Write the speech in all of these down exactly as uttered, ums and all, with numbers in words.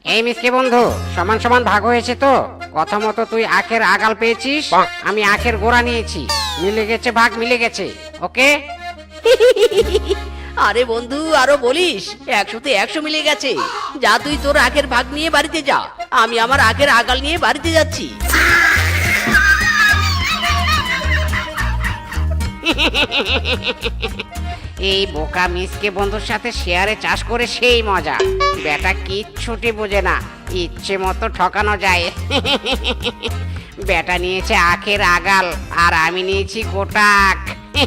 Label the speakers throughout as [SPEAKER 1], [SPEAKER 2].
[SPEAKER 1] এই মিসকে বন্ধু, সমান সমান ভাগ হয়েছে তো? কথা মতো তুই আখের আগাল পেয়েছিস, আমি আখের গোড়া নিয়েছি। মিলে গেছে, ভাগ মিলে গেছে। ওকে।
[SPEAKER 2] আরে বন্ধু, আরো বলিস, একশোতে একশো মিলে গেছে। যা তুই তোর আখের ভাগ নিয়ে বাড়িতে যা, আমি আমার আখের আগাল নিয়ে বাড়িতে যাচ্ছি।
[SPEAKER 1] এই বোকা মিসকে বন্ধুর সাথে শেয়ারে চাষ করে সেই মজা। বেটা কিচ্ছুটি বোঝে না, ইচ্ছে মতো ঠকানো যায়। বেটা নিয়েছে আখের আগাল আর আমি নিয়েছি গোটা আখ।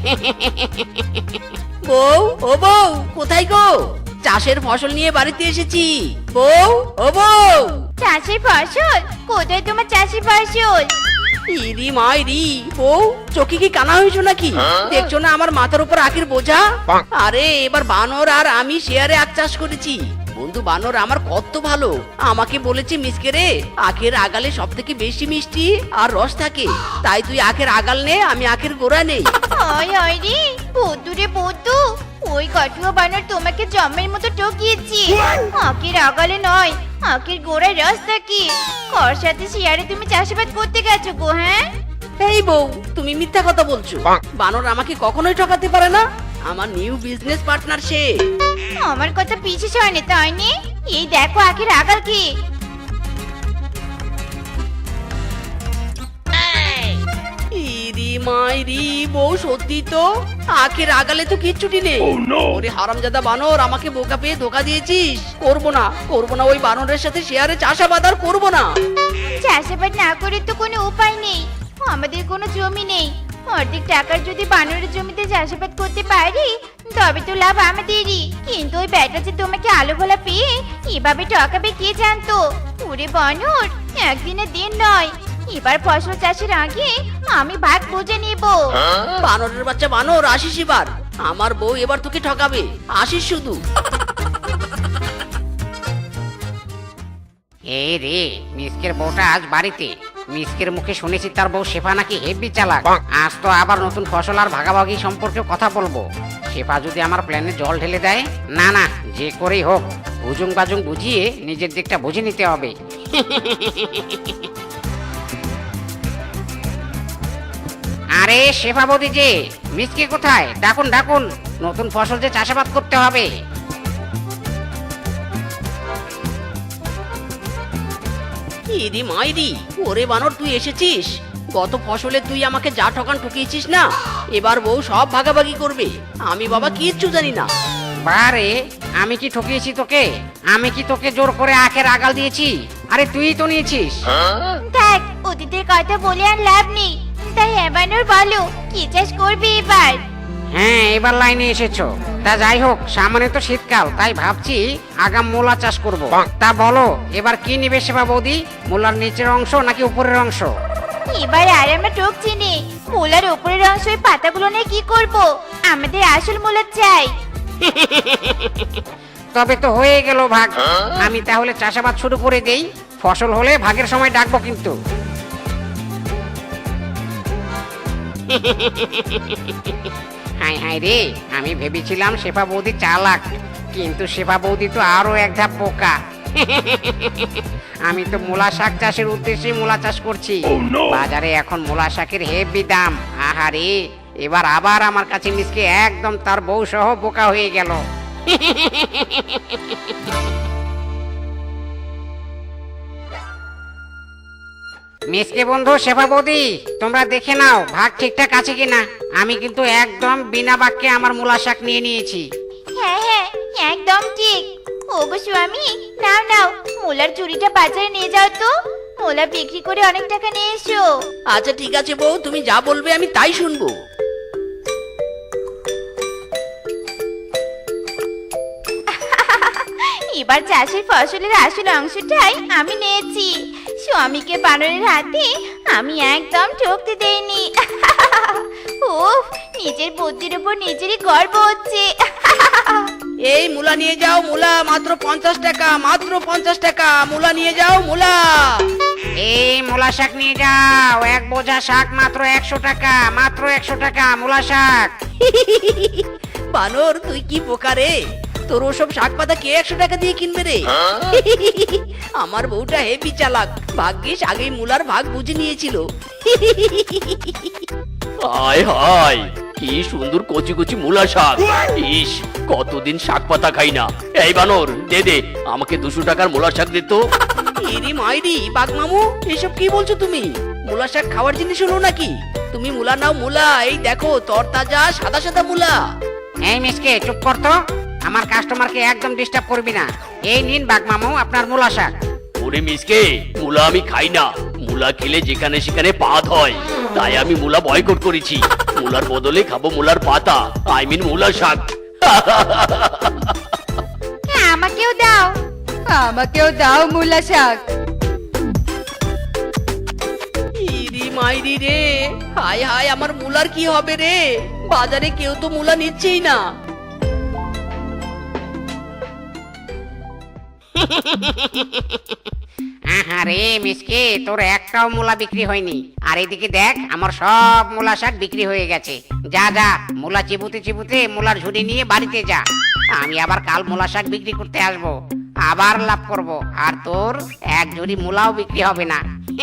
[SPEAKER 2] বউ, ও বউ, কোথায় গো? চাষের ফসল নিয়ে বাড়িতে এসেছি। বউ, ও বউ।
[SPEAKER 3] চাষের ফসল? কোথায় তোমার চাষের ফসল?
[SPEAKER 2] ইরি মাইরি, বউ চোখে কি কানা হয়েছো নাকি? দেখছো না আমার মাথার উপর আখের বোঝা? আরে এবার বানর আর আমি শেয়ারে আখ চাষ করেছি। বন্ধু বানর আমার কত ভালো, আমাকে বলেছে মিসকে রে, আখের আগালে সব থেকে বেশি মিষ্টি আর রস থাকে, তাই তুই আখের আগাল নে, আমি আখের গোড়া নেই।
[SPEAKER 3] ওই ওই রে বৌদু রে বৌদু, ওই কাঠুয়া বানর তোমাকে জম্মের মতো ঠকিয়েছি। আখের আগালে নয়, আখের গোড়ায় রস থাকে। ওর সাথে শেয়ারে তুমি চাষাবাদ করতে গেছো গো? হ্যাঁ
[SPEAKER 2] এই বউ, তুমি মিথ্যা কথা বলছো। বানর আমাকে কখনোই ঠকাতে পারে না, আমার নিউ বিজনেস পার্টনার সে।
[SPEAKER 3] আমার কথা পিছিয়ে হয়নি তাই নি? এই দেখো আখের আগাল কি।
[SPEAKER 2] ইরি মাইরি, বউ সত্যি তো আখের আগালে তো কিচ্ছুটি নেই। ওরে হারামজাদা বানর, আমাকে বোকা পেয়ে ধোকা দিয়েছিস। করবো না, করবো না, ওই বানরের সাথে শেয়ারে চাষাবাদ আর করবো না।
[SPEAKER 3] চাষাবাদ না করে তো কোনো উপায় নেই, আমাদের কোনো জমি নেই। অর্ধেক টাকার যদি বানরের জমিতে চাষাবাদ করতে পারি তবে তো লাভ আমাদেরই। কিন্তু ওই ব্যাটা যে তোমাকে আলো ভোলা পেয়ে এভাবে ঠকাবে কে জানতো? ওরে বানর, একদিনের দিন নয়, এবার ফসল চাষের আগে আমি ভাগ বুঝে নিব।
[SPEAKER 2] বানরের বাচ্চা বানর, আসিস এবার। আমার বউ এবার তোকে ঠকাবে, আসিস শুধু।
[SPEAKER 1] এই রে, মিসকের বউটা আজ বাড়িতে। মিসকের মুখে শুনেছি তার বউ শেফা নাকি হেব্বি চালাক। আজ তো আবার নতুন ফসল আর ভাগাভাগি সম্পর্কে কথা বলবো। শেফা যদি আমার প্ল্যানে জল ঢেলে দেয়, না না, যে করেই হোক উজুং বাজুং বুঝিয়ে নিজের দিকটা বুঝে নিতে হবে। আরে শেফা বৌদি যে, মিসকে কোথায়? ডাকুন ডাকুন, নতুন ফসল যে চাষাবাদ করতে হবে।
[SPEAKER 2] ইরি মাইরি, ওরে বানর তুই এসেছিস। গত ফসলে তুই আমাকে যা ঠকান ঠকিয়েছিস না, এবার বউ সব ভাগাভাগি করবে। আমি বাবা কিচ্ছু জানি না।
[SPEAKER 1] বারে, আমি কি ঠকিয়েছি তোকে? আমি কি তোকে জোর করে আখের আগাল দিয়েছি? আরে তুই তো নিয়েছিস।
[SPEAKER 3] দেখ, অতীতের কথা বলে আর লাভ নেই। তাই এবারও বলো, কি চাষ করবে এবার?
[SPEAKER 1] হ্যাঁ, এবার লাইনে এসেছো। তা যাই হোক, সামনে তো শীতকাল, তাই ভাবছি আগাম মূলা চাষ করব। তা বলো, এবার কি নিবে শেফা বৌদি? মূলার নিচের অংশ নাকি উপরের অংশ?
[SPEAKER 3] এবার আর আমরা ঠকছি নে। মূলার উপরের অংশ ওই পাতাগুলো নিয়ে কি করব? আমাদের আসল মূলা চাই।
[SPEAKER 1] তবে তো হয়ে গেল ভাগ। আমি তাহলে চাষাবাদ শুরু করে দেই, ফসল হলে ভাগের সময় ডাকবো কিন্তু। হাই হাই রে, আমি ভেবেছিলাম শেফা বৌদি চালাক, কিন্তু শেফা বৌদি তো আরো এক ধাপ বোকা। আমি তো মূলা শাক চাষের উদ্দেশ্যে মূলা চাষ করছি। বাজারে এখন মূলা শাকের হেভি দাম। আহারে, এবার আবার আমার কাছে মিসকে একদম তার বউ সহ বোকা হয়ে গেল। মিসকে বন্ধু, শেফা বৌদি, তোমরা দেখে নাও ভাগ ঠিকঠাক আছে কিনা। আমি কিন্তু একদম বিনা বাক্যে আমার মূলা শাক নিয়ে নিয়েছি।
[SPEAKER 3] হ্যাঁ হ্যাঁ, একদম ঠিক। ওগো স্বামী, নাও নাও, মূলার চুরিটা বাজারে নিয়ে যাও তো। মূলা বিক্রি করে অনেক টাকা নিয়ে এসো।
[SPEAKER 2] আচ্ছা ঠিক আছে বউ, তুমি যা বলবে আমি তাই শুনবো।
[SPEAKER 3] এবার চাষের ফসলের আসল অংশটাই আমি নিয়েছি। স্বামীকে বানরের হাতে আমি একদম ঠকতে দেইনি। উফ, নিজের বুদ্ধির উপর নিজেরই গর্ব হচ্ছে।
[SPEAKER 2] এই মূলা নিয়ে যাও, মূলা মাত্র পঞ্চাশ টাকা, মাত্র পঞ্চাশ টাকা। মূলা নিয়ে যাও, মূলা।
[SPEAKER 1] এই মূলা শাক নিয়ে যাও, এক বোঝা শাক মাত্র একশো টাকা, মাত্র একশো টাকা মূলা শাক।
[SPEAKER 2] বানর তুই কি বোকা রে, তোর ওসব শাক পাতা কে একশো টাকা দিয়ে কিনবে রে? আমার বউটা হেবি চালাক, ভাগ্যিস আগেই মুলার ভাগ বুঝে নিয়েছিল।
[SPEAKER 4] হায় হায়, কি সুন্দর কচি কচি মূলা শাক। ইস, কতদিন শাক পাতা খাই না। এই বানর, দে দে আমাকে দুশো টাকার মূলা শাক দে তো।
[SPEAKER 2] ইরি মাইরি, বাঘ মামু এসব কি বলছো তুমি? মুলা শাক খাওয়ার জিনিস হলো নাকি? তুমি মুলা নাও মুলা, এই দেখো তরতাজা সাদা সাদা মুলা।
[SPEAKER 1] এই মিসকে চুপ কর তো, আমার কাস্টমারকে একদম ডিস্টার্ব করবি না। এই নিন বাঘ মামু আপনার মূলা শাক।
[SPEAKER 4] ওরে মিসকে, মূলা আমি খাই না। মূলা খেলে যেখানে সেখানে পাত হয়, তাই আমি মূলা বয়কট করেছি। মূলার বদলে খাবো মূলার পাতা, আই মিন মূলা শাক।
[SPEAKER 3] আমাকেও দাও, আমাকেও দাও মুলা শাক।
[SPEAKER 2] ইরি মাইরি রে, হায় হায়, আমার মুলার কি হবে রে? বাজারে কেউ তো মুলা নিচ্ছেই না।
[SPEAKER 1] আরে মিসকে, তোর একটাও মূলা বিক্রি হয়নি। আর এদিকে দেখ, আমার সব মূলা শাক বিক্রি হয়ে গেছে। যা যা, মূলা চিবুতে চিবুতে মূলার ঝুড়ি নিয়ে বাড়িতে যা। আমি আবার কাল মূলা শাক বিক্রি করতে আসবো, আবার লাভ করব। আর তোর এক ঝুড়ি মূলাও বিক্রি হবে না।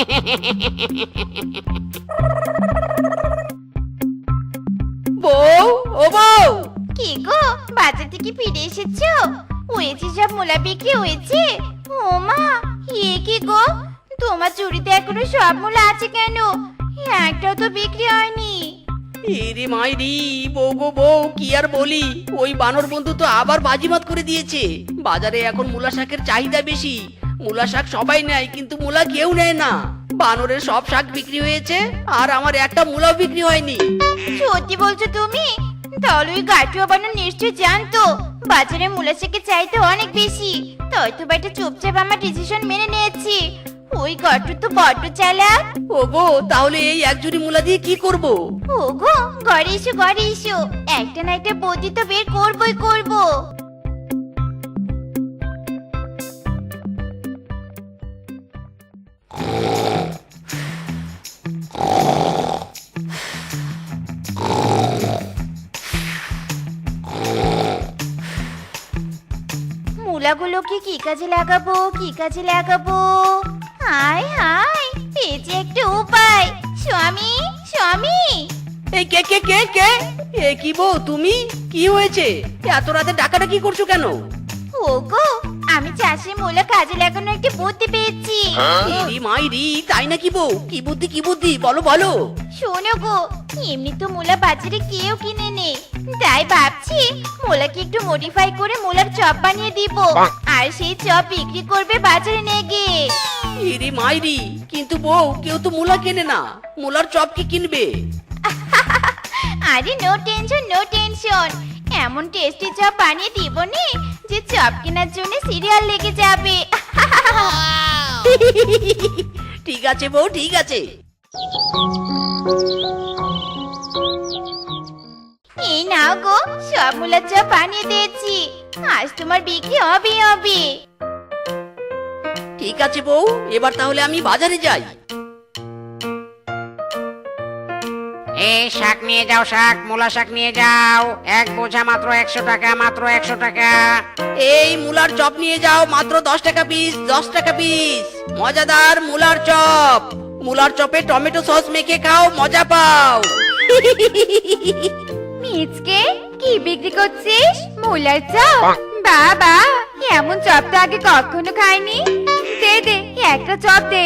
[SPEAKER 2] বউ, ও বউ,
[SPEAKER 3] কি গো, বাজার থেকে ফিরে এসেছো? হয়েছে সব মুলা বিক্রি হয়েছে? ও মা, এ কি গো, তোমার চুরিতে এখনো সব মুলা আছে কেন? একটাও তো বিক্রি হয়নি।
[SPEAKER 2] ইরি মাইরি, বউ গো বউ, কি আর বলি, ওই বানর বন্ধু তো আবার বাজিমাত করে দিয়েছে। বাজারে এখন মুলা শাকের চাহিদা বেশি। মুলা শাক সবাই নেয়, কিন্তু মুলা কেউ নেয় না। বানরের সব শাক বিক্রি হয়েছে, আর আমার একটা মুলাও বিক্রি হয়নি।
[SPEAKER 3] সত্যি বলছো তুমি? তাহলে ওই গাটুয়া বানর নিশ্চয় জানতো বাজারে মুলা শাকের চাহিদা অনেক বেশি, তাই তো বেটা চুপচাপ আমার ডিসিশন মেনে নিয়েছি। ওই গাটু তো বড্ড চালাক।
[SPEAKER 2] ওগো, তাহলে এই এক ঝুড়ি মুলা দিয়ে কি করব?
[SPEAKER 3] ওগো, ঘরে এসো ঘরে এসো, একটা না একটা বুদ্ধি তো বের করবই করবো। মুলাগুলোকে কি কাজে লাগাবো, কি কাজে লাগাবো? হায় হায়, পেয়েছি একটা উপায়। স্বামী, স্বামী,
[SPEAKER 2] এই কে কে কে কে? এ কি বউ তুমি? কি হয়েছে? এত রাতে ডাকাডাকি করছো কেন?
[SPEAKER 3] ওগো, আমি চাষে মুলা কাজে লাগানো একটা বুদ্ধি পেয়েছি।
[SPEAKER 2] ইরি মাইরি, তাই নাকি বউ? কি বুদ্ধি কি বুদ্ধি, বলো বলো।
[SPEAKER 3] শোনো গো, এমনি তো মুলা বাজারে কেউ কিনে নে, তাই ভাবছি মুলাকে একটু মডিফাই করে মুলার চপ বানিয়ে দিব, আর সেই চপ বিক্রি করবে বাজারে নিয়ে গিয়ে।
[SPEAKER 2] ইরি মাইরি, কিন্তু বউ কেউ তো মুলা কেনে না, মুলার চপ কি কিনবে?
[SPEAKER 3] আরে নো টেনশন নো টেনশন, এমন টেস্টি চপ বানিয়ে দিব নি যে চপ কেনার জন্য সিরিয়াল লেগে যাবে।
[SPEAKER 2] ঠিক আছে বউ, ঠিক আছে।
[SPEAKER 3] এই নাও গো, সব মুলার চপ বানিয়ে দিয়েছি, আজ তোমার বিক্রি হবে হবে।
[SPEAKER 2] ঠিক আছে বউ, এবার তাহলে আমি বাজারে যাই।
[SPEAKER 1] এই শাক নিয়ে যাও, শাক, মূলা শাক নিয়ে যাও। এক বোঝা মাত্র একশো টাকা, মাত্র একশো টাকা।
[SPEAKER 2] এই মুলার চপ নিয়ে যাও, মাত্র দশ টাকা পিস, দশ টাকা পিস। মজাদার মুলার চপ, মুলার চপে টমেটো সস মেখে খাও, মজা পাও।
[SPEAKER 3] মিচকে, কি বিক্রি করছিস? মুলার চপ? বাবা, এমন চপ তো আগে কখনো খাইনি। দে দে, একটা চপ দে।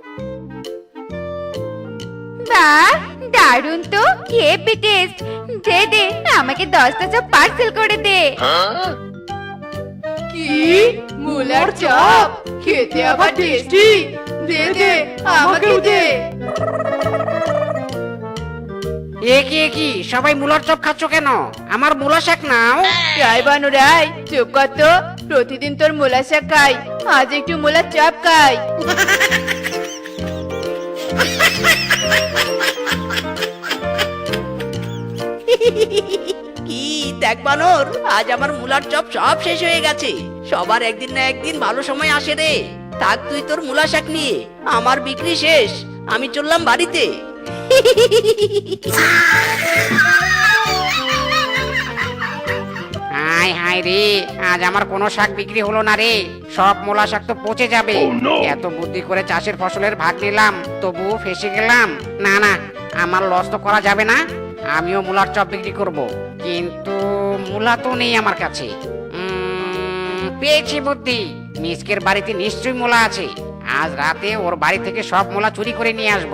[SPEAKER 3] বাহ, দারুণ তো, হেভি টেস্ট। দে দে, আমাকে দশটা চপ পার্সেল করে দে।
[SPEAKER 5] কি মুলার চপ খেতে আবার টেস্টি? দে দে, আমাকেও দে।
[SPEAKER 1] এ কি এ কি, সবাই মূলার চপ খাচ্ছ কেন? আমার মূলা শাক নাও।
[SPEAKER 5] রাই বানু রাই, চুপ কর তো। প্রতিদিন তোর মুলা শাক খাই, আজ একটু মুলার চপ খাই।
[SPEAKER 2] কি দেখ বানর, আজ আমার মুলার চপ সব শেষ হয়ে গেছে। সবার একদিন না একদিন ভালো সময় আসে রে। থাক তুই তোর মুলা শাক নিয়ে, আমার বিক্রি শেষ, আমি চললাম বাড়িতে।
[SPEAKER 1] হাই হাই রে, আজ আমার কোনো শাক বিক্রি হলো না রে, সব মূলা শাক তো পচে যাবে। এত বুদ্ধি করে চাষের ফসলের ভাগ নিলাম, তবুও ফেসে গেলাম। না না, আমার লস তো করা যাবে না, আমিও মূলার চপ বিক্রি করব। কিন্তু মূলা তো নেই আমার কাছে। উম, পেয়েছি বুদ্ধি, মিসকের বাড়িতে নিশ্চয়ই মূলা আছে। আজ রাতে ওর বাড়ি থেকে সব মূলা চুরি করে নিয়ে আসবো।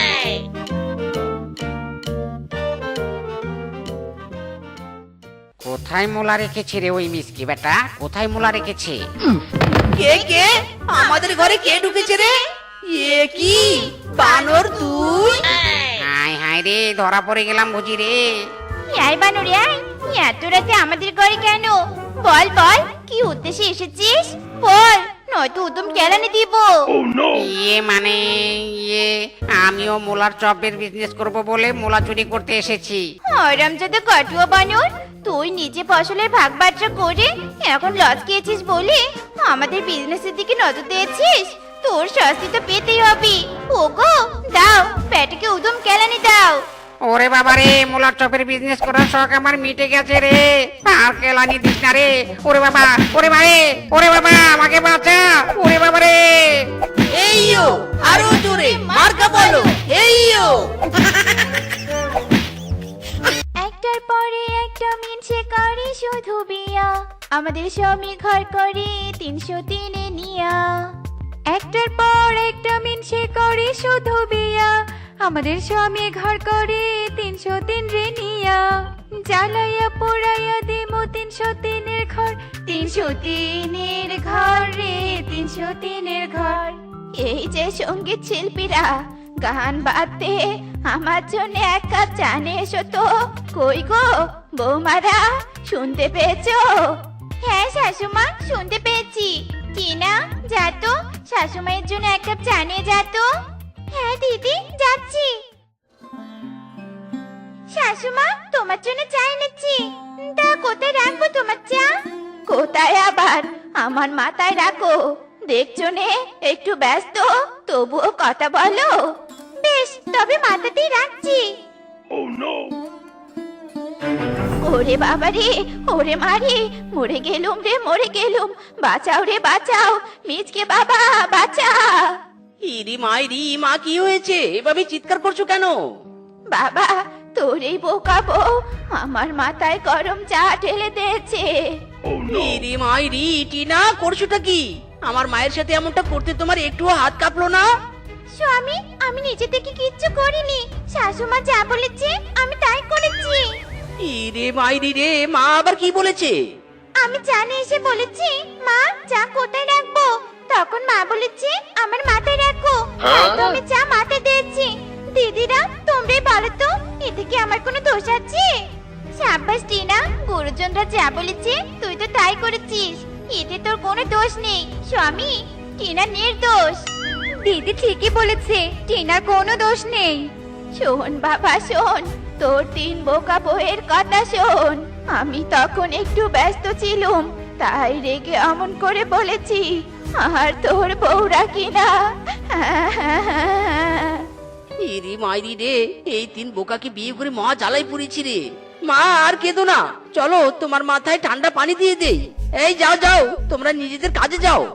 [SPEAKER 1] কোথায় মূলা রেখেছে রে ওই মিসকি বেটা, কোথায় মূলা রেখেছে?
[SPEAKER 2] কে কে আমাদের ঘরে কে ঢুকেছে রে? এ কি বানর তুই?
[SPEAKER 1] হাই হাই রে, ধরা পড়ে গেলাম বুঝি রে।
[SPEAKER 3] আয় বানর আয়, এত রাতে আমাদের ঘরে কেন? বল বল, কি উদ্দেশ্যে এসেছিস? বল, নয়তো উদম কেলানি দিব।
[SPEAKER 1] ইয়ে মানে ইয়ে, আমিও মূলার চপের বিজনেস করব বলে মূলা চুরি করতে এসেছি।
[SPEAKER 3] হরামজাদা কটুয়া বানর, তুই নিজে ফসলের ভাগ বাট্রা করে এখন লস খেয়েছিস বলে আমাদের বিজনেসের দিকে নজর দিয়েছিস। তোর শাস্তি তো পেতেই হবে। ওগো দাও, পেটকে উদম কেলানি দাও।
[SPEAKER 1] ওরে বাবা রে, মূলার চপের বিজনেস করার শখ আমার মিটে গেছে রে, আর কেলানি দিস না রে। ওরে বাবা, ওরে ভাই, ওরে বাবা, আমাকে বাঁচা। ওরে বাবা রে।
[SPEAKER 2] এইও আরো জোরে মার্কা বলো, এইও।
[SPEAKER 3] একটার পরে একটা মিনছে করে শুধু বিয়া, আমাদের স্বামী ঘর করে তিনশো তিনে নিয়া।
[SPEAKER 5] একটার পর একটা মিনসে করে শুধু বিয়া, আমাদের স্বামী ঘর করে তিনশো তিন রে নিয়া। জ্বালাইয়া পোড়াইয়া দিমো তিনশো তিনের ঘর, তিনশো তিনের ঘর রে, তিনশো তিনের ঘর।
[SPEAKER 3] এই যে সঙ্গীত শিল্পীরা গান বাজতে আমার জন্য এক কাপ চা নিয়ে এসো তো। কই গো বৌমারা, শুনতে পেয়েছো? হ্যাঁ শাশুমা, শুনতে পেয়েছি। টিনা যা তো, শাশুমায়ের জন্য এক কাপ চা নিয়ে যা তো। হ্যাঁ দিদি, যাচ্ছি। শাশুমা, তোমার জন্য চা এনেছি। তা কোথায় রাখবো তোমার চা? কোথায় আবার, আমার মাথায় রাখো। দেখছো নে একটু ব্যস্ত, তবুও কথা বলো। বেশ, তবে মাথাতেই রাখছি। ওরে বাবা রে, ওরে মারে, মরে গেলুম রে, মরে গেলুম। বাঁচাও রে বাঁচাও, মিচকে বাবা বাঁচা।
[SPEAKER 2] ইরি মাইরি, মা কি হয়েছে? এভাবে চিৎকার করছো কেন?
[SPEAKER 3] বাবা, তোর এই বোকা বউ আমার মাথায় গরম চা ঢেলে দিয়েছে।
[SPEAKER 2] ইরি মাইরি, টিনা করছোটা কি? আমার মায়ের সাথে এমনটা করতে তোমার একটুও হাত কাঁপলো না?
[SPEAKER 3] স্বামী, আমি নিজে থেকে কিচ্ছু করিনি। শাশুমা যা বলেছে আমি তাই করেছি।
[SPEAKER 2] ইরে মাইরি রে, মা আবার কি বলেছে?
[SPEAKER 3] আমি জানে এসে বলেছি মা চা কোথায় রাখবো, তখন মা বলেছে আমার মাথায় রাখো। তাই তো আমি চা মাথায় দিয়েছি। দিদিরা তোমরাই বলো তো, এতে কি আমার কোনো দোষ আছে? সাব্বাস টিনা, গুরুজনরা যা বলেছে তুই তো তাই করেছিস, এতে তোর কোনো দোষ নেই। স্বামী, টিনা নির্দোষ।
[SPEAKER 5] দিদি ঠিকই বলেছে, টিনার কোনো দোষ নেই।
[SPEAKER 3] শোন বাবা শোন, তোর তিন বোকা বউয়ের কথা শোন। আমি তখন একটু ব্যস্ত ছিলুম, তাই রেগে অমন করে বলেছি। আর তোর বউরা কিনা
[SPEAKER 2] ইরি মাইরি রে, এই তিন বোকাকে বিয়ে করে মহা জ্বালাই পড়েছি রে। মা আর কেঁদো না, চলো তোমার মাথায় ঠান্ডা পানি দিয়ে দেই। এই যাও যাও, তোমরা নিজেদের কাজে যাও।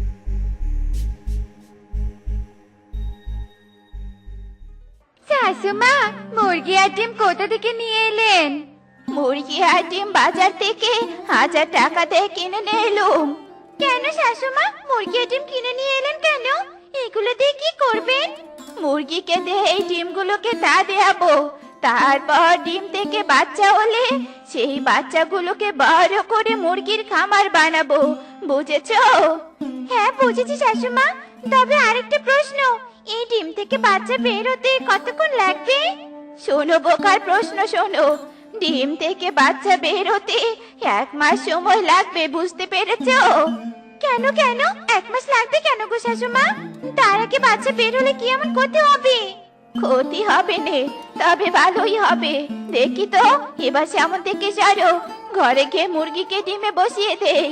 [SPEAKER 5] শাশুমা, মুরগি আর ডিম কোথা থেকে নিয়ে এলেন?
[SPEAKER 3] মুরগি আর ডিম বাজার থেকে হাজার টাকা দিয়ে কিনে নিয়ে এলুম। কেন শাশুমা, মুরগি আর ডিম কিনে নিয়ে এলেন কেন? এগুলো দিয়ে কি করবেন? মুরগিকে দিয়ে এই ডিমগুলোকে তা দেয়াবো, তারপর ডিম থেকে বাচ্চা হলে সেই বাচ্চাগুলোকে বড় করে মুরগির খামার বানাবো, বুঝেছো? হ্যাঁ বুঝেছি শাশুমা। তবে আরেকটা প্রশ্ন, এই ডিম থেকে বাচ্চা বের হতে কতক্ষণ লাগবে? শোনো বোকার প্রশ্ন শোনো, ডিম থেকে বাচ্চা বের হতে এক মাস সময় লাগবে, বুঝতে পেরেছো? কেন কেন এক মাস লাগবে কেন গো শাশুমা? তার আগে বাচ্চা বের হলে কি এমন ক্ষতি হবে? ক্ষতি হবে নে, তবে ভালোই হবে। দেখি তো এবার সেমন থেকে সারো, ঘরে গিয়ে মুরগিকে ডিমে বসিয়ে দেই।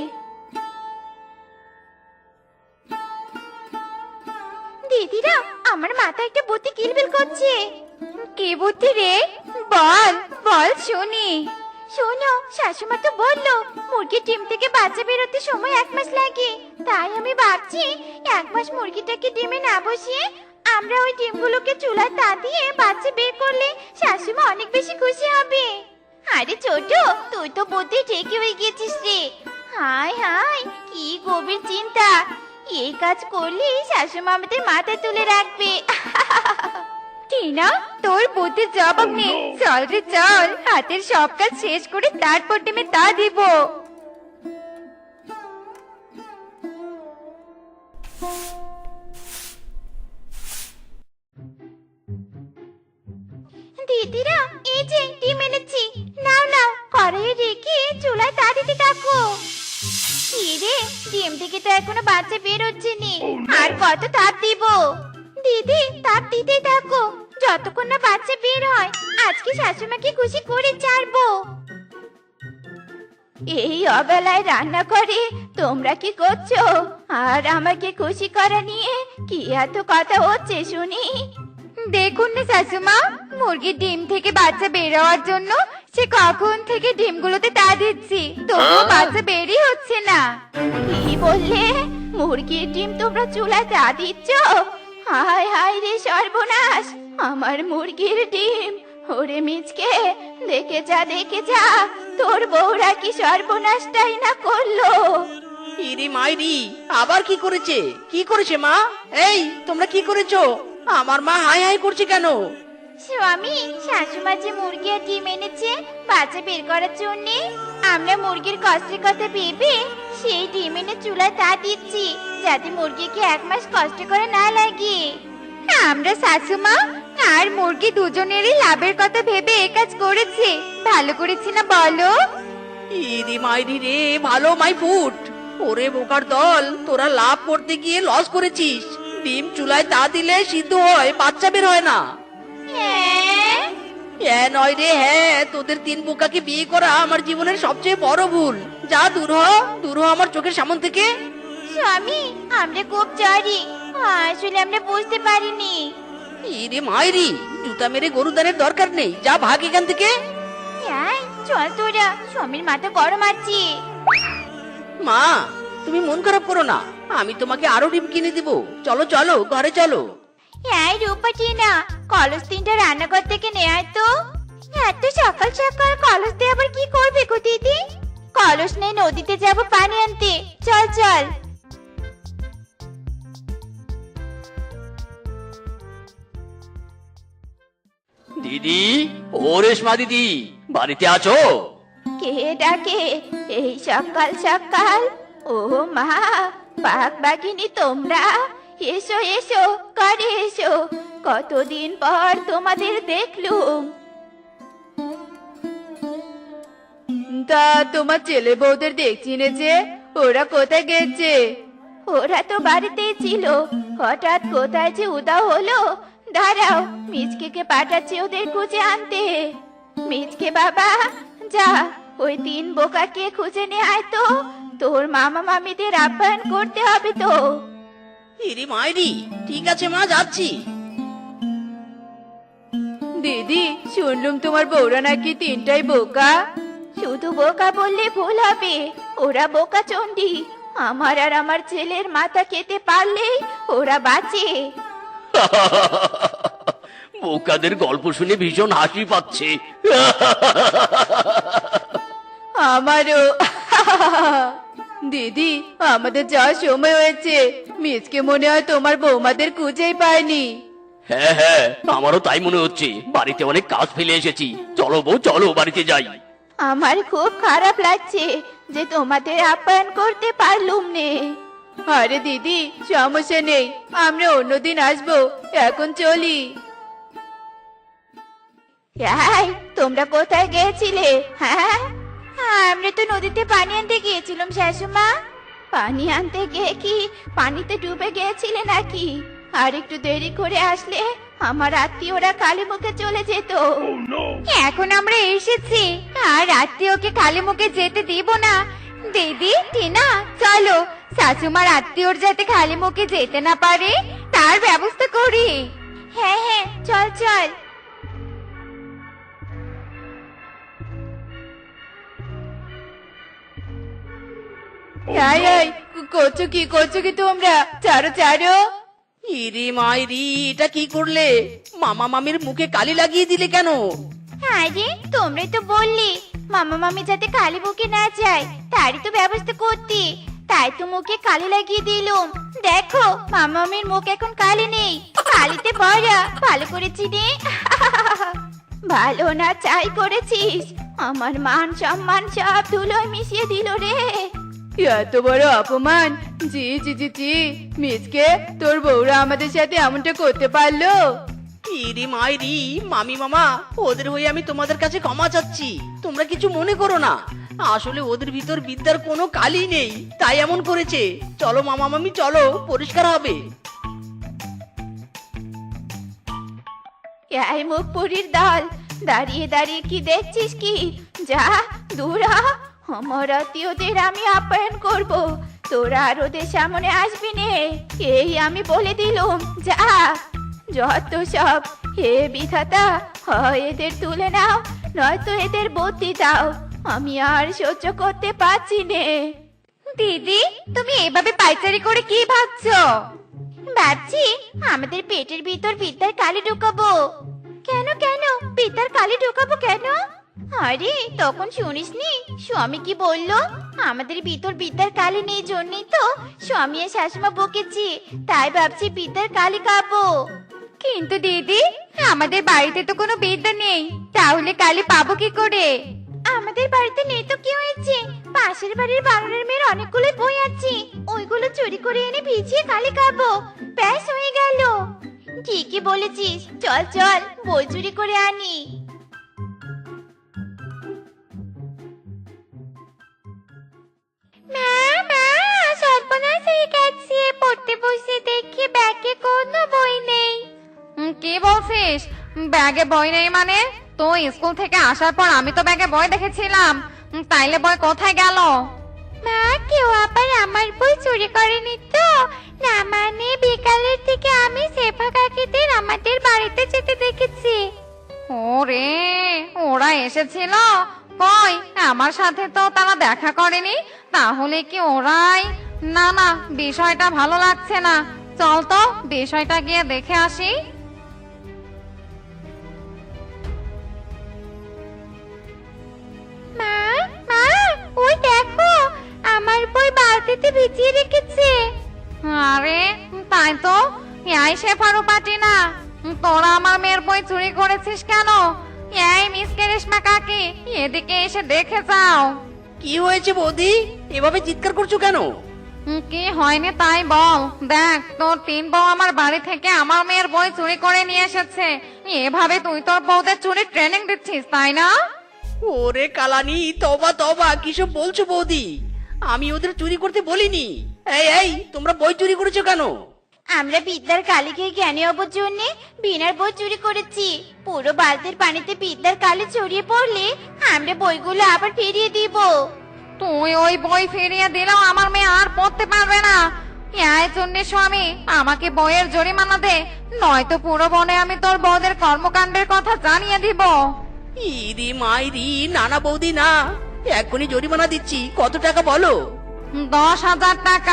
[SPEAKER 3] দিদিরা, আমার মাথায় একটা বুদ্ধি কিলবিল করছে।
[SPEAKER 5] কি বুদ্ধি রে? বল বল শুনি।
[SPEAKER 3] শোনো, শাশুমা তো বললো মুরগির ডিম থেকে বাচ্চা বেরোতে সময় এক মাস লাগে। তাই আমি ভাবছি এক মাস মুরগিটাকে ডিমে না বসিয়ে আমরা ওই ডিমগুলোকে চুলায় তা দিয়ে বাচ্চা বের করলে শাশুমা অনেক বেশি খুশি হবে। আরে ছোট, তুই তো বুদ্ধি ঠিকই হয়ে গেছিস রে। হায় হায়, কি গভীর চিন্তা! এই কাজ করলে শাশুমা আমাদের মাথায় তুলে রাখবে।
[SPEAKER 5] টিনা, তোর বুদ্ধির জবাব নেই। চল রে চল, হাতের সব কাজ শেষ করে তারপর ডিমে তা দিব।
[SPEAKER 3] দিদিরা, এই যে ডিম এনেছি, নাও নাও, কড়াইয়ে রেখে চুলায় তা দিতে থাকো। কি রে, ডিম থেকে তো এখনো বাচ্চা বের হচ্ছে নি, আর কত তাপ দিব? দিদি, তাপ দিতেই থাকো যতক্ষণ না বাচ্চা বের হয়। আজকে শাশুমাকে খুশি করে ছাড়বো। এই অবেলায় রান্না করে তোমরা কি করছো? আর আমাকে খুশি করা নিয়ে কি এত কথা হচ্ছে শুনি?
[SPEAKER 5] দেখুন না শাশুমা, মুরগির ডিম থেকে বাচ্চা বের হওয়ার জন্য সে কখন থেকে ডিমগুলোতে তা দিচ্ছি, তবুও বাচ্চা বেরই হচ্ছে না।
[SPEAKER 3] কি বললে? মুরগির ডিম তোমরা চুলায় তা দিচ্ছ? হায় হায় রে সর্বনাশ, আমার মুরগির ডিম! ওরে মিচকে, দেখে যা দেখে যা, তোর বউরা কি সর্বনাশটাই না করলো।
[SPEAKER 2] ইরি মাইরি, আবার কি করেছে? কি করেছে মা? এই তোমরা কি করেছো? আমার মা হাই হাই করছে কেন?
[SPEAKER 3] স্বামী, শাশুমা যে মুরগি আর ডিম এনেছে বাচ্চা বের করার জন্য, আমরা মুরগির কষ্টের কথা ভেবে সেই ডিম এনে চুলায় তা দিচ্ছি, যাতে মুরগিকে এক মাস কষ্ট করে না লাগে।
[SPEAKER 5] আমরা শাশুমা আর মুরগি দুজনেরই লাভের কথা ভেবে এ কাজ করেছি। ভালো করেছি না বলো?
[SPEAKER 2] ইরি মাইরি রে, ভালো মাই ফুট! ওরে বোকার দল, তোরা লাভ করতে গিয়ে লস করেছিস। ডিম চুলায় তা দিলে সিদ্ধ হয়, বাচ্চা বের হয় না।
[SPEAKER 3] হ্যাঁ?
[SPEAKER 2] হ্যাঁ নয় রে হ্যাঁ, তোদের তিন বোকাকে বিয়ে করা আমার জীবনের সবচেয়ে বড় ভুল। যা দূর হ, দূর হ আমার চোখের সামনে থেকে।
[SPEAKER 3] স্বামী, আমরা খুব সরি, আসলে আমরা বুঝতে পারিনি।
[SPEAKER 2] ইরে মাইরি, জুতা মেরে গরু দানের দরকার নেই, যা ভাগ এখান থেকে।
[SPEAKER 3] এই, চল তোরা, স্বামীর মাথা গরম আছে।
[SPEAKER 2] মা, তুমি মন খারাপ করো না, আমি তোমাকে আরো ডিম কিনে দিব। চলো চলো, ঘরে চলো।
[SPEAKER 3] এই রূপা টিনা, কলস তিনটা রান্নাঘর থেকে নিয়ে আয় তো। এত সকাল সকাল কলস দিয়ে আবার কি করবে গো দিদি? কলস নেই, নদীতে যাব পানি আনতে। চল চল।
[SPEAKER 4] দিদি, ও রেশমা দিদি, বাড়িতে আছো?
[SPEAKER 3] কে ডাকে এই সকাল সকাল? ও মা, বাঘ বাঘিনী তোমরা, এসো এসো, করে এসো, কতদিন পর তোমাদের দেখলুম।
[SPEAKER 5] তা তোমার ছেলে বউদের দেখছি না যে, ওরা কোথায় গেছে?
[SPEAKER 3] ওরা তো বাড়িতেই ছিল, হঠাৎ কোথায় যে উদাও হলো। দাঁড়াও, মিচকে পাঠাচ্ছি ওদের খুঁজে আনতে। মিচকে বাবা, যা ওই তিন বোকাকে খুঁজে নিয়ে আয় তো, তোর মামা মামিদের আপ্যায়ন করতে হবে তো।
[SPEAKER 2] ইরি মাইরি, ঠিক আছে মা, যাচ্ছি।
[SPEAKER 5] দিদি, শুনলুম তোমার বউরা নাকি তিনটাই বোকা।
[SPEAKER 3] শুধু বোকা বললে ভুল হবে, ওরা বোকা চন্ডী। আমার আর আমার ছেলের মাথা খেতে পারলেই ওরা বাঁচে।
[SPEAKER 4] বোকাদের গল্প শুনে ভীষণ হাসি পাচ্ছে।
[SPEAKER 5] আমারও। দিদি, আমাদের যাওয়ার সময় হয়েছে। মিজকে মনে হয় তোমার বৌমাদের খুঁজেই পায়নি।
[SPEAKER 4] হ্যাঁ হ্যাঁ, আমারও তাই মনে হচ্ছে। বাড়িতে অনেক কাজ ফেলে এসেছি। চলো বউ, চলো বাড়িতে যাই।
[SPEAKER 3] আমার খুব খারাপ লাগছে যে তোমাদের আপ্যায়ন করতে পারলুম নে।
[SPEAKER 5] আরে দিদি, সমস্যা নেই, আমরা অন্যদিন আসবো, এখন চলি।
[SPEAKER 3] এই, তোমরা কোথায় গিয়েছিলে? হ্যাঁ, আমরা তো নদীতে পানি আনতে গিয়েছিলাম শাশুমা। পানি আনতে গিয়ে কি পানিতে ডুবে গিয়েছিলে নাকি? আর একটু দেরি করে আসলে আমার আত্মীয়রা কালী মুখে চলে যেত।
[SPEAKER 5] এখন আমরা এসেছি, আর আত্মীয়কে খালি মুখে যেতে দিব না। দিদি, টিনা, চলো, শাশুমার আত্মীয়র যাতে খালি মুখে যেতে না পারে তার ব্যবস্থা করি।
[SPEAKER 3] হ্যাঁ হ্যাঁ, চল চল।
[SPEAKER 5] এই এই করছো কি করছো কি তোমরা, ছাড়ো ছাড়ো।
[SPEAKER 2] ইরে মাইরি, এটা কি করলে? মামা মামির মুখে কালি লাগিয়ে দিলে কেন?
[SPEAKER 3] আরে তোমরাই তো বললি মামা মামি যাতে কালি মুখে না যায় তারই তো ব্যবস্থা করতে, তাই তো মুখে কালি লাগিয়ে দিলুম। দেখো মামা মামির মুখ এখন কালি নেই, কালিতে ভরা। ভালো করেছি রে। ভালো না চাই করেছিস, আমার মান সম্মান সব ধুলোয় মিশিয়ে দিল রে।
[SPEAKER 5] এত বড় অপমান! জি জি জি জি, মিসকে তোর বউরা আমাদের সাথে এমনটা করতে পারলো?
[SPEAKER 2] ইরে মাইরি, মামি মামা, ওদের হয়ে আমি তোমাদের কাছে ক্ষমা চাচ্ছি। তোমরা কিছু মনে করো না, আসলে ওদের ভিতর বিদ্যার কোনো কালি নেই, তাই এমন করেছে। চলো মামা মামি, চলো, পরিষ্কার হবে।
[SPEAKER 3] এই মুখ পুরীর দল, দাঁড়িয়ে দাঁড়িয়ে কি দেখছিস কি? যা দূর হ। আমার আত্মীয়দের আমি আপ্যায়ন করব, তোরা আর ওদের সামনে আসবি নে, এই আমি বলে দিলুম। যা, যত সব। হে বিধাতা, হয় এদের তুলে নাও, নয়তো এদের বুদ্ধি দাও, আমি আর সহ্য করতে পারছি নে।
[SPEAKER 5] দিদি, তুমি এভাবে পাইচারি করে কি ভাবছো?
[SPEAKER 3] ভাবছি আমাদের পেটের ভিতর বিদ্যার কালি ঢুকাবো। কেন কেন বিদ্যার কালি ঢুকাবো কেন? আরে তখন শুনিসনি স্বামী কি বললো? আমাদের ভিতর বিদ্যার কালি নেই জন্যই তো স্বামী আর শাশুমা বকেছি, তাই ভাবছি বিদ্যার কালি খাবো।
[SPEAKER 5] কিন্তু দিদি, আমাদের বাড়িতে তো কোনো বিদ্যা নেই, তাহলে কালি পাবো কি করে?
[SPEAKER 3] আমাদের বাড়িতে নেই তো কি হয়েছে, পাশের বাড়ির বানরের মেয়ের অনেকগুলো বই আছে, ওইগুলো চুরি করে এনে ভিজিয়ে কালি খাবো, ব্যাস হয়ে গেল। ঠিকই বলেছিস, চল চল বই চুরি করে আনি। মা মা, সর্বনাশ হয়ে গেছে, পড়তে বসে দেখি ব্যাগে কোনো বই নেই।
[SPEAKER 5] উম, কি বলছিস? ব্যাগে বই নেই মানে? তো স্কুল থেকে আসার পর আমি তো ব্যাগে বই দেখেছিলাম, উম, তাইলে বই কোথায় গেল?
[SPEAKER 3] মা, কেউ আবার আমার বই চুরি করেনি তো? না মানে বিকালের দিকে আমি সেফা কাকিদের আমাদের বাড়িতে যেতে দেখেছি।
[SPEAKER 5] ওরে, ওরা এসেছিল? কই, আমার সাথে তো তারা দেখা করেনি, তাহলে কি ওরাই? না না, বিষয়টা ভালো লাগছে না, চল তো বিষয়টা গিয়ে দেখে আসি।
[SPEAKER 3] মা মা, ওই দেখো আমার বই বালতিতে ভিজিয়ে রেখেছে।
[SPEAKER 5] আরে তাই তো, এই শেফারু পাটি না, তোরা আমার মেয়ের বই চুরি করেছিস কেন? এই মিসকে রেশমা কাকি, এদিকে এসে দেখে যাও।
[SPEAKER 2] কি হয়েছে বৌদি, এভাবে চিৎকার করছো কেন?
[SPEAKER 5] উম, কি হয়নি তাই বল। দেখ, তোর তিন বউ আমার বাড়ি থেকে আমার মেয়ের বই চুরি করে নিয়ে এসেছে, এভাবে তুই তোর বউদের চুরি ট্রেনিং দিচ্ছিস তাই না?
[SPEAKER 2] ওরে কালানি, তবা তবা, কিসব বলছো বৌদি? আমি ওদের চুরি করতে বলিনি। এই এই, তোমরা বই চুরি করেছো কেন?
[SPEAKER 3] আমরা বিদ্যার কালি খেয়ে জ্ঞানী হবার জন্য বিনার বই চুরি করেছি। পুরো বালতির পানিতে বিদ্যার কালি ছড়িয়ে পড়লে আমরা বইগুলো আবার ফিরিয়ে দিব।
[SPEAKER 5] তুই ওই বই ফিরিয়ে দিলেও আমার মেয়ে আর পড়তে পারবে না। এই জন্য স্বামী, আমাকে বইয়ের জরিমানা দে, নয়তো পুরো বনে আমি তোর বউদের কর্মকাণ্ডের কথা জানিয়ে দিব।
[SPEAKER 2] ইরি মাইরি, নানা বৌদি না, এখনই জরিমানা দিচ্ছি। কত টাকা বলো?
[SPEAKER 5] দশ হাজার টাকা।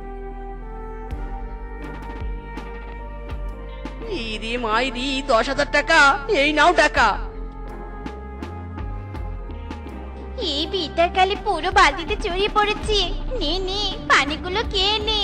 [SPEAKER 2] ইরি মাইরি, দশ হাজার টাকা, এই নাও টাকা।
[SPEAKER 3] এই বিদ্যার কালি পুরো বালতিতে ছড়িয়ে পড়েছে, নে নে পানিগুলো খেয়ে নে।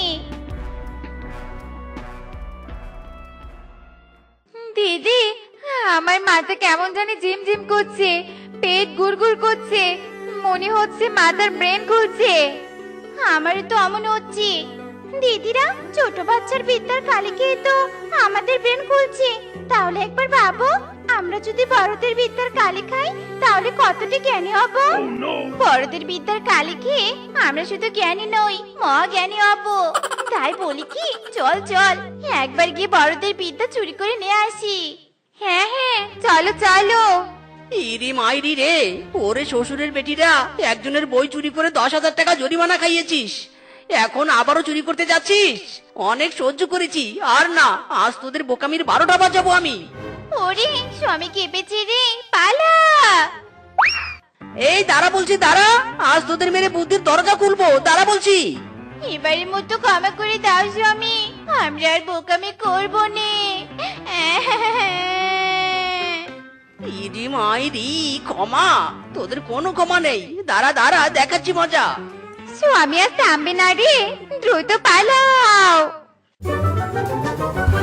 [SPEAKER 5] দিদি, আমার মাথা কেমন জানি ঝিমঝিম করছে, পেট গুড়গুড় করছে, মনে হচ্ছে মাথার ব্রেন ঘুরছে।
[SPEAKER 3] আমারও তো অমন হচ্ছে। দিদিরা, ছোট বাচ্চার বিদ্যার কালি খেয়ে তো আমাদের ব্রেন খুলছে, তাহলে একবার ভাবো আমরা যদি বড়দের বিদ্যার কালি খাই তাহলে কতটা জ্ঞানী হব। বড়দের বিদ্যার কালি খেয়ে আমরা শুধু জ্ঞানী নই, মহা জ্ঞানী হব। তাই বলি কি, চল চল একবার গিয়ে বড়দের বিদ্যা চুরি করে নিয়ে আসি।
[SPEAKER 5] হ্যাঁ হ্যাঁ, চলো চলো।
[SPEAKER 2] ইরি মাইরি রে, ওরে শ্বশুরের বেটিরা, একজনের বই চুরি করে দশ হাজার টাকা জরিমানা খাইয়েছিস, এখন আবারও চুরি করতে যাচ্ছিস? অনেক সহ্য করেছি, আর না, আজ তোদের বোকামির বারোটা বাজাবো আমি।
[SPEAKER 3] ওরে স্বামী কেঁপেছে রে, পালা।
[SPEAKER 2] এই দাঁড়া বলছি দাঁড়া, আজ তোদের মেরে বুদ্ধির দরজা খুলবো, দাঁড়া বলছি।
[SPEAKER 3] এবারের মতো ক্ষমা করে দাও স্বামী, আমরা আর বোকামি করবো নে।
[SPEAKER 2] ইরি মাইরি, ক্ষমা? তোদের কোনো ক্ষমা নেই, দাঁড়া দাঁড়া দেখাচ্ছি মজা।
[SPEAKER 5] স্বামী আর থামবে না রে, দ্রুত পালাও।